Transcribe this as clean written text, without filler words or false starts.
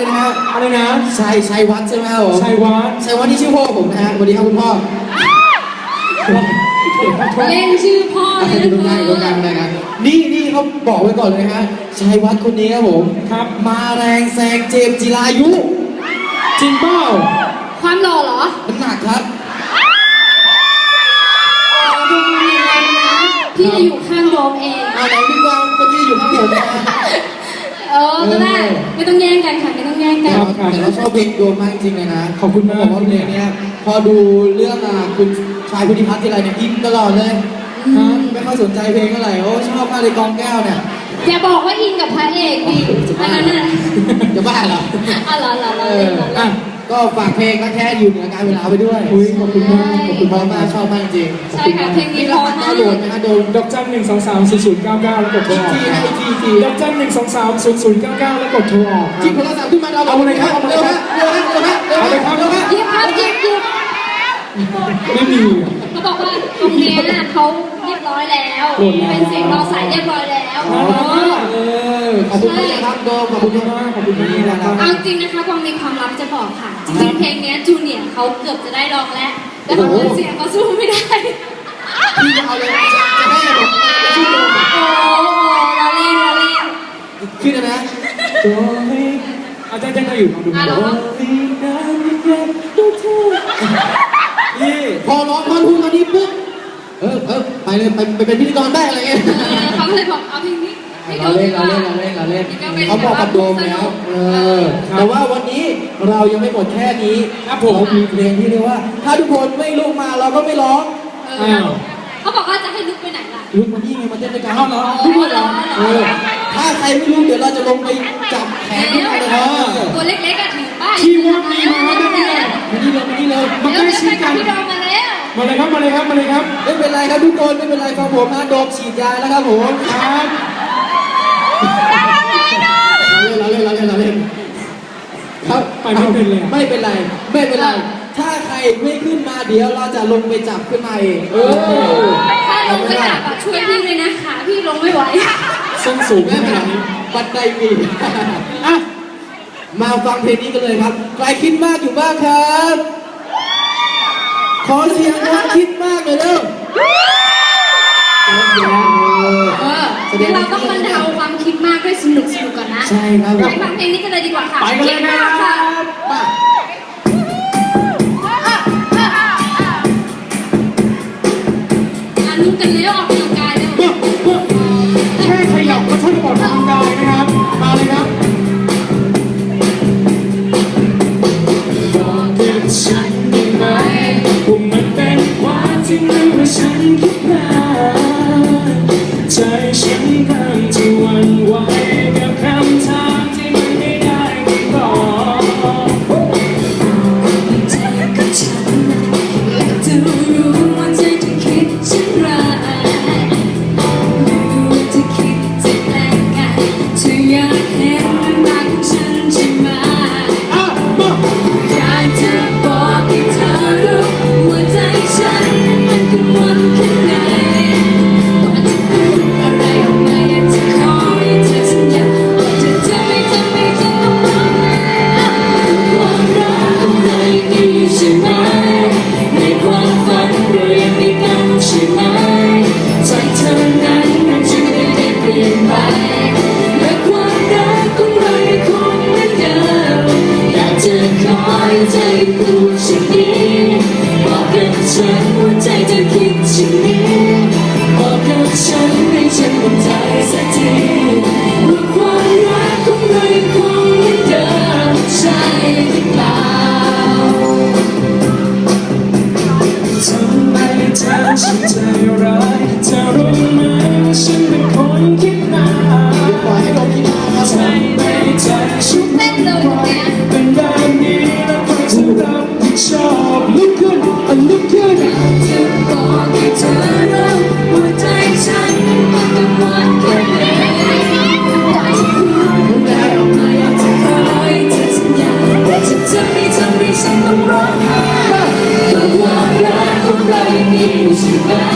นะฮะอะไรนะชัยวัฒน์ใช่ไหมครับผมชัยวัฒน์นี่ชื่อพ่อผมนะฮะสวัสดีครับคุณพ่อเล่นชื่อพ่อเลยนะตรงกลางนะครับนี่เขาบอกไว้ก่อนเลยนะฮะชัยวัฒน์คนนี้ครับผมครับมาแรงแซงเจมส์จิรายุจริงเปล่าความหล่อเหรอน้ำหนักครับดูดีเลยนะพี่จะอยู่ข้างโดมเองไหนพี่กวางเมื่อกี้อยู่ข้างผมนะก็ได้ไม่ต้องแย่งกันค่ะไม่ต้องแย่งกันแต่เราชอบเพลงโดมมากจริงเลยนะขอบคุณมากบอกว่าเพลงนี้พอดูเรื่องคุณชายพุทธิพัฒน์ที่ไรเนี่ยอินตลอดเลยไม่ค่อยสนใจเพลงเท่าไหร่โอ้ชอบมากเลยกองแก้วเนี่ยอย่าบอกว่าอินกับพระเอกดิอันนั้นน่ะจะบ้าเหรออ๋อเหรอก็ฝากเพลงก็แค่อยู่เหนือการเวลาไปด้วยขอบคุณมากชอบมากจริงใช่ค่ะเพลงนี้ร้อนมากโดนนะโดนดอกจัน1230099แล้วกดโทรออกดอกจัน1230099แล้วกดโทรออกจิบโทรศัพท์ขึ้นมาเอาเลยครับเร็วฮะยิบครับยิบไม่มีเขาบอกว่าตรงนี้เขาเรียบร้อยแล้วเป็นเสียงรอสายเรียบร้อยแล้วขอบคุณมากครับโดมขอบคุณมากนะครับเอาจริงนะคะความมีความลับจะบอกค่ะจริงเพลงนี้จูเนียร์เขาเกือบจะได้ร้องแล้วแต่เขาเสียงเขาสู้ไม่ได้พี่จะเอาเลยจะให้ผมชื่อโดมเราเล่นชื่อนะโดยอาจารย์จะอยู่ดูนี่พอร้องท่อนฮุกตอนนี้ปุ๊บไปเลยไปเป็นพิธีกรได้อะไรเงี้ยเขาเลยบอกเอาเพลงนี้เราเล่นเขาบอกกับโดมแล้วแต่ว่าวันนี้เรายังไม่หมดแค่นี้ครับผมมีเพลงที่เรียกว่าถ้าทุกคนไม่ลุกมาเราก็ไม่ร้องเขาบอกว่าจะให้ลุกไปไหนล่ะลุกมานี่ไงมาเต้นด้วยกันลุกเหรอถ้าใครไม่ลุกเดี๋ยวเราจะลงไปจับแขนขึ้นมาเลยตัวเล็กๆก็ถือป้ายที่ว่ามีมาได้ไงมานี่เลยมาใกล้ชิดกันมาเลยครับไม่เป็นไรครับทุกคนไม่เป็นไรฟังผมนะโดมฉีดยาแล้วครับผมครับเราเล่นครับไม่เป็นไรถ้าใครไม่ขึ้นมาเดี๋ยวเราจะลงไปจับขึ้นมาเองถ้าลงไปจับช่วยพี่เลยนะขาพี่ลงไม่ไหวส้นสูงขนาดนี้บันไดมีมาฟังเพลงนี้กันเลยครับใครคิดมากอยู่บ้างครับขอเสียงคนคิดมากเลยเด้อเดี๋ยวเราต้องบรรเทาความคิดมากด้วยสนุกก่อนนะใช่ครับไปฟังเพลงนี้กันเลยดีกว่าค่ะไปกันเลยครับลุกกันแล้วออกกำลังกายแล้วแค่ขยับก็ช่วยออกกำลังกายนะครับมาเลยครับบอกกับฉันได้ไหมว่ามันเป็นความจริงหรือว่าฉันคิดมาใจฉันกำลังจะหวั่นไหวกับคำถามที่มันไม่ได้คำตอบใจกับฉันอยากจะรู้ว่าใจเธอคิดเช่นไรหรือว่าเธอคิดจะแกล้งกันเธออยากเห็นเรื่องราวของฉันใช่ไหมอยากจะบอกให้เธอรู้ว่าใจฉันมันกังวลแค่ไหนก่อนจะพูดอะไรออกมาอยากจะขอให้เธอสัญญาว่าเธอจะไม่ต้องร้องไห้ความรักของเรายังมีอยู่ใช่ไหมในความฝันเรายังมีกันใช่ไหมใจเธอนั้นมันจะไม่ได้เปลี่ยนไปและความรักของเรายังคงเหมือนเดิมอยากจะขอให้เธอพูดเช่นนี้บอกกับฉันว่าใจเธอคิดเช่นนี้บอกกับฉันให้ฉันมั่นใจสักทีว่าความรักของเรายังคงเหมือนเดิมใช่หรือเปล่าทำไมเธอฉันใจร้ายเธอรู้ไหมว่าฉันเป็นคนคิดมากปล่อยให้โดมคิดมาครับทำไมใจฉันเป็นแบบนี้แล้วใครจะรับผิดชอบลุกขึ้นจะบอกให้เธอรู้ว่าใจฉันมันกังวลแค่ไหนอยากจะพูดอะไรออกมาอยากจะขอให้เธอสัญญาว่าจะไม่ทำให้ฉันต้องร้องไห้เพราะความรักของเรายังมีอยู่ใช่ไหม